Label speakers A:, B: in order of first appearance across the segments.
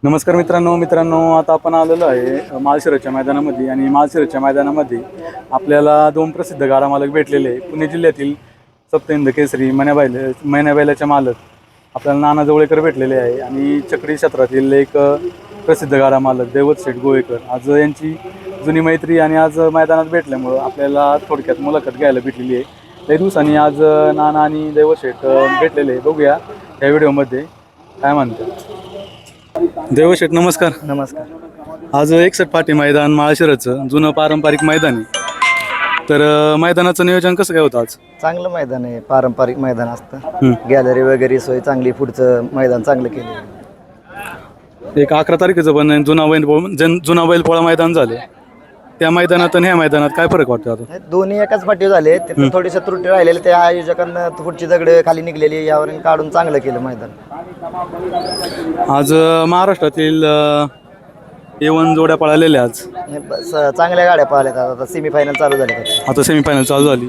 A: नमस्कार मित्रांनो आता आपण आलेलो आहे माळशिरसच्या मैदानामध्ये आणि माळशिरसच्या मैदानामध्ये आपल्याला दोन प्रसिद्ध गाडा मालक भेटलेले आहे. पुणे जिल्ह्यातील सप्तहिंद केसरी मैन्याबैलाचे मालक आपल्याला नाना जवळेकर भेटलेले आहे आणि चक्री क्षेत्रातील एक प्रसिद्ध गाडा मालक दैवत शेठ गोवेकर. आज यांची जुनी मैत्री आणि आज मैदानात भेटल्यामुळं आपल्याला थोडक्यात मुलाखत घ्यायला भेटलेली आहे. काही दिवसांनी आज नाना आणि दैवत शेठ भेटलेले आहे. बघूया या व्हिडिओमध्ये काय म्हणतात. देवशेठ नमस्कार.
B: नमस्कार.
A: आज 61 पाटी मैदान माळशिरसचं जुनं पारंपरिक मैदान आहे. तर मैदानाचं नियोजन कसं काय होतं आज?
B: चांगलं मैदान आहे, पारंपरिक मैदान असतं. गॅलरी वगैरे सोय चांगली, पुढचं मैदान चांगलं केलं.
A: एक 11 तारखेचं पण जुना बैलपोळा मैदान झालं. त्या मैदानात आणि ह्या मैदानात काय फरक वाटतो आता?
B: दोन्ही एकाच पाठी झाले. तिथं थोडीशा त्रुटी राहिलेल्या त्या आयोजकांना पुढची दगड खाली निघलेली यावर काढून चांगलं केलं मैदान.
A: आज महाराष्ट्रातील A1 जोड्या पळालेल्या आज
B: चांगल्या गाड्या पाहिल्यात. आता सेमीफायनल चालू झाले.
A: आता सेमीफायनल चालू झाली.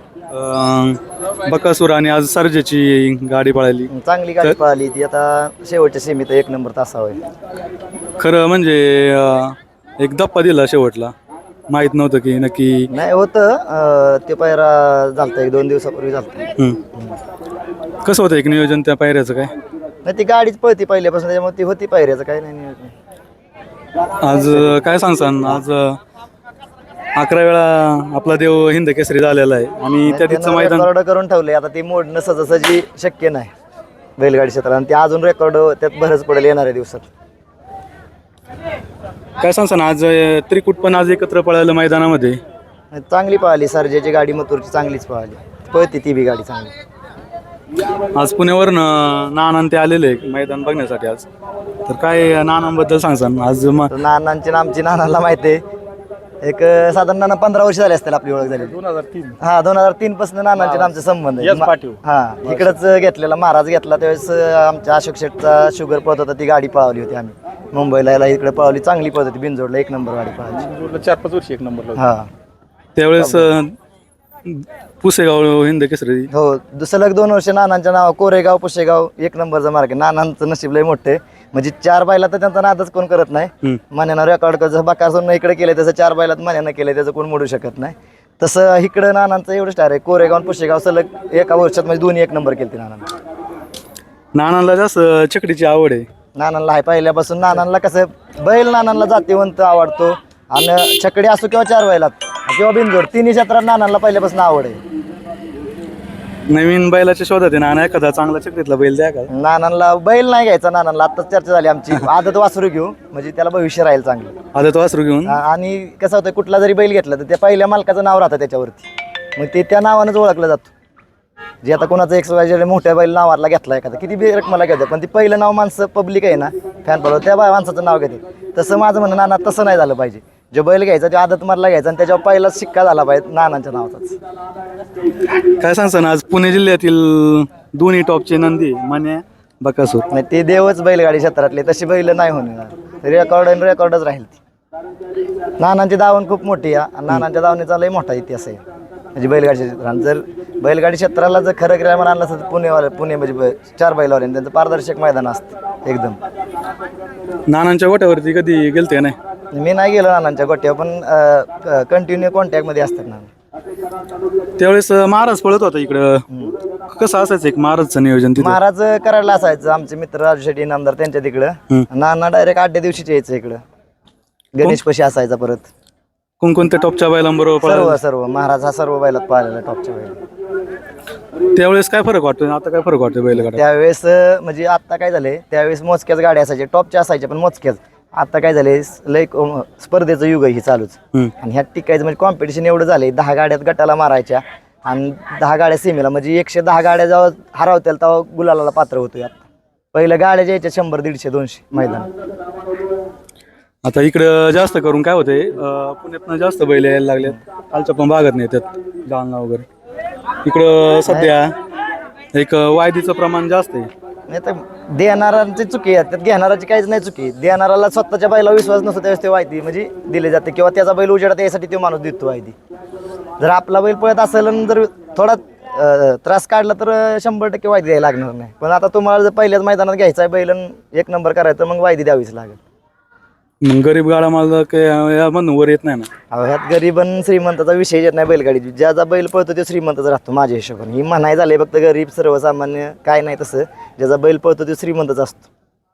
A: बकासूर आणि आज सर्जेची गाडी पळाली.
B: चांगली गाडी पाहिली ती. आता शेवटच्या सेमीत 1 नंबर तासावर.
A: खरं म्हणजे एक धप्पा दिला शेवटला. माहित नव्हतं की नक्की
B: नाही होतं ते पायरा झालता 1-2 दिवसापूर्वी झालता.
A: कसं होतं एक नियोजन त्या पायऱ्याचं काय?
B: नाही ती गाडीच पळती पहिल्यापासून, त्याच्यामुळे ती होती पायऱ्याचं काय नाही नियोजन.
A: आज काय सांगसान? आज 11 वेळा आपला देव हिंद केसरी झालेला आहे आणि त्या तिथचं मैदान
B: रेकॉर्ड करून ठेवले. आता ते मोडणं सहजासहजी शक्य नाही बैलगाडी क्षेत्रात, आणि ते अजून रेकॉर्ड त्यात भरच पडेल येणाऱ्या दिवसात.
A: काय सांगसान? आज त्रिकूट पण आज एकत्र पळालं मैदानामध्ये.
B: चांगली पळाली. सर्जेची गाडी मथुरची चांगलीच पळाली, पळती ती बी गाडी चांगली.
A: आज पुण्यावरनं नाना ते आलेले मैदान बघण्यासाठी. आज तर काय नानांबद्दल सांगसान? आज
B: नानांची आमची नानाला माहिती आहे. एक साधारण नाना 15 वर्ष झाले असतील आपली ओळख झाली.
A: 2003.
B: हा 2003 पासून नानांचे आमचे संबंध आहे. हा इकडंच घेतलेला महाराज घेतला त्यावेळेस आमच्या अशोक शेठचा शुगर पळत होता, ती गाडी पळवली होती आम्ही मुंबईला. याला इकडे पळवली, चांगली पळत होती. बिनजोडला 1 नंबर गाडी पळाली.
A: 4-5 वर्ष 1 नंबर.
B: हा
A: त्यावेळेस पुसेगाव हिंद केसरी.
B: हो सलग 2 वर्ष नानांच्या नाव कोरेगाव पुशेगाव 1 नंबरचा मार्ग आहे. नानांचं नशीब लय मोठे, म्हणजे 4 बैला तर त्यांचा नादच कोण करत नाही. मान्यानं रेकॉर्ड जसं बकासूरनं इकडे केलं तसं 4 बैलात मान्यानं केलं, त्याचं कोण मोडू शकत नाही. तसं इकडं नानांचं एवढं स्टार आहे. कोरेगाव आणि पुशेगाव सलग एका वर्षात म्हणजे दोन्ही 1 नंबर केली नानांना.
A: नानांना जास्त चकडीची आवड आहे.
B: नानांना आहे पहिल्यापासून. नानांना कसं बैल नानांना जातीवंत आवडतो, आणि छकडी असो किंवा 4 बैलात किंवा बिनजोड, तिन्ही क्षेत्रात नानांना पहिल्यापासून आवड आहे.
A: नवीन बैलाच्या शोधात आहे नाना. एखादा चांगला चकडीतला बैल द्या का?
B: नानांना बैल नाही घ्यायचा. नानांना आत्ताच चर्चा झाली आमची, आदत वासरू घेऊ म्हणजे त्याला भविष्य राहील चांगलं.
A: आदत वासरू घेऊन.
B: आणि कसं होतं, कुठला जरी बैल घेतला तर त्या पहिल्या मालकाचं नाव राहतं त्याच्यावरती, मग ते त्या नावानंच ओळखलं जातं. जे आता कोणाचं XYZ मोठ्या बैल नावाला घेतला एखादा, किती बी रकमाला घेतात, पण ती पहिलं नाव माणसं पब्लिक आहे ना, फॅन फॉलो त्या माणसाचं नाव घेते. तसं माझं म्हणणं नाना तसं नाही झालं पाहिजे. जो बैल घ्यायचा तो आदत मारला घ्यायचा आणि त्याच्यावर पहिला शिक्का झाला पाहिजे नानांच्या नावाचाच.
A: काय सांगसान? आज पुणे जिल्ह्यातील दोन्ही टॉपचे नंदी मान्या बकासूर.
B: नाही ते देवच बैलगाडी क्षेत्रातले, तशी बैल नाही होणार. रेकॉर्डच राहील ती. नानांची दावण खूप मोठी आहे आणि नानांच्या दावणीचा लय मोठा इतिहास आहे म्हणजे बैलगाडी क्षेत्रात. जर बैलगाडी क्षेत्राला जर खरं ग्रॅमर आणलं असतं तर पुणे म्हणजे 4 बैलावर त्यांचं पारदर्शक मैदान असतं एकदम.
A: नानांच्या गोट्यावरती कधी गेलते नाही?
B: मी नाही गेलो नानांच्या गोट्यावर, पण कंटिन्यू कॉन्टॅक्टमध्ये असतात ना.
A: त्यावेळेस महाराज पळत होता इकडं. कसं असायचं एक महाराजचं नियोजन?
B: महाराज करायला असायचं. आमचे मित्र राजू शेट्टी नामदार त्यांच्या तिकडं. नाना डायरेक्ट 8 दिवशीच यायचं इकडं. गणेश पशी असायचा. परत
A: कोणकोणत्या टॉपच्या बैलांबरोबर?
B: सर्व महाराज हा सर्व बैलात पाहिलेला टॉपच्या बैल.
A: त्यावेळेस काय फरक वाटतो, आता काय फरक वाटतो बैलगाड्या?
B: त्यावेळेस म्हणजे आता काय झाले, त्यावेळेस मोजक्याच गाड्या असायच्या, टॉपच्या असायच्या पण मोजक्याच. आता काय झाले, लय स्पर्धेचं युग आहे ही चालूच. आणि ह्यात टिकायचं म्हणजे कॉम्पिटिशन एवढं झालंय. 10 गाड्यात गटाला मारायच्या आणि 10 गाड्या सीमेला, म्हणजे 110 गाड्या जेव्हा हरवतील तेव्हा गुलालाला पात्र होतो. यात पहिल्या गाड्या ज्याच्या 100, 150, 200 मैदान.
A: आता इकडं जास्त करून काय होते, पुण्यातनं जास्त बैल यायला लागलेत. कालच्या पण भागात नाही येतात, जालना वगैरे. इकडं सध्या एक वायदीचं प्रमाण जास्त आहे.
B: नाही तर देणाऱ्यांची चुकी आहे, त्यात घेणाराची काहीच नाही चुकी. देणाराला स्वतःच्या बैला विश्वास नसतो त्यावेळेस ते वायदी म्हणजे दिले जाते, किंवा त्याचा बैल उजेडात यासाठी तो माणूस देतो वायदी. जर आपला बैल पळत असेल आणि जर थोडा त्रास काढला तर 100% वायदी द्यायला लागणार नाही. पण आता तुम्हाला जर पहिल्याच मैदानात घ्यायचा आहे बैल आणि एक नंबर करायचा तर मग वायदी द्यावीच लागेल.
A: मग गरीब गाडा मालक यामधून वर येत नाही ना.
B: अहो ह्यात गरीब आणि श्रीमंताचा विषय येत नाही बैलगाडीची. ज्याचा बैल पळतो तो श्रीमंताचा राहतो माझ्या हिशोबाने. ही म्हणाय झाले फक्त गरीब सर्वसामान्य काय नाही तसं. ज्याचा बैल पळतो तो श्रीमंताचा असतो.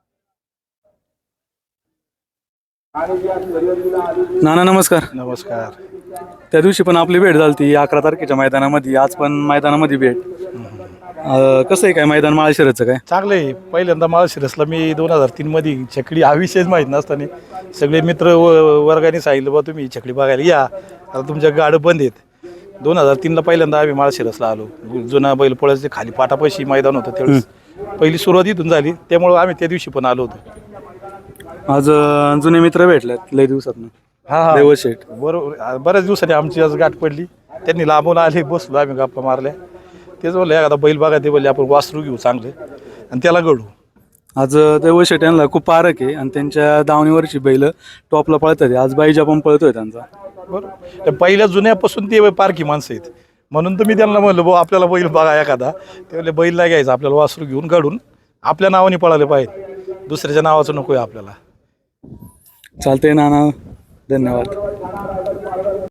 A: नाना नमस्कार.
C: नमस्कार.
A: त्या दिवशी पण आपली भेट झाली ती 11 तारखेच्या मैदानामध्ये, आज पण मैदानामध्ये भेट. कसं आहे काय मैदान माळशिरसचं काय?
C: चांगलं आहे. पहिल्यांदा माळशिरसला मी 2003 मध्ये छकडी हा विषयच माहीत नसताना सगळे मित्र वर्गाने सांगितलं बा तुम्ही छकडी बघायला या, आता तुमच्या गाडं बंद आहेत. 2003ला पहिल्यांदा आम्ही माळशिरसला आलो. जुना बैल पोळ्याचे खाली पाटापाशी मैदान होतं त्यावेळेस पहिली सुरुवात इथून झाली, त्यामुळं आम्ही त्या दिवशी पण आलो होतो.
A: आज जुने मित्र भेटलेत लय दिवसातनं.
C: हा
A: देवश शेठ.
C: बरोबर. बऱ्याच दिवसांनी आमची आज गाठ पडली. त्यांनी लांबून आले, बसलो आम्ही गप्पा मारल्या. तेच बोलले एखादा बैल बघा, ते बोलले आपण वासरू घेऊ चांगले आणि त्याला घडू.
A: आज देवश शेठ यांना खूप पारख आहे आणि त्यांच्या दावणीवरची बैल टॉपला पळतात. आज बाईजा पण पळतोय त्यांचा.
C: बरोबर. त्या पहिल्या जुन्यापासून ते पारखी माणसं आहेत, म्हणून तर मी त्यांना म्हणलं भाऊ आपल्याला बैल बघा एखादा. ते बोलले बैल नाही घ्यायचा, आपल्याला वासरू घेऊन घडून आपल्या नावाने पळाले पाहिजे, दुसऱ्याच्या नावाचं नको आहे आपल्याला.
A: चालतंय नाना, धन्यवाद.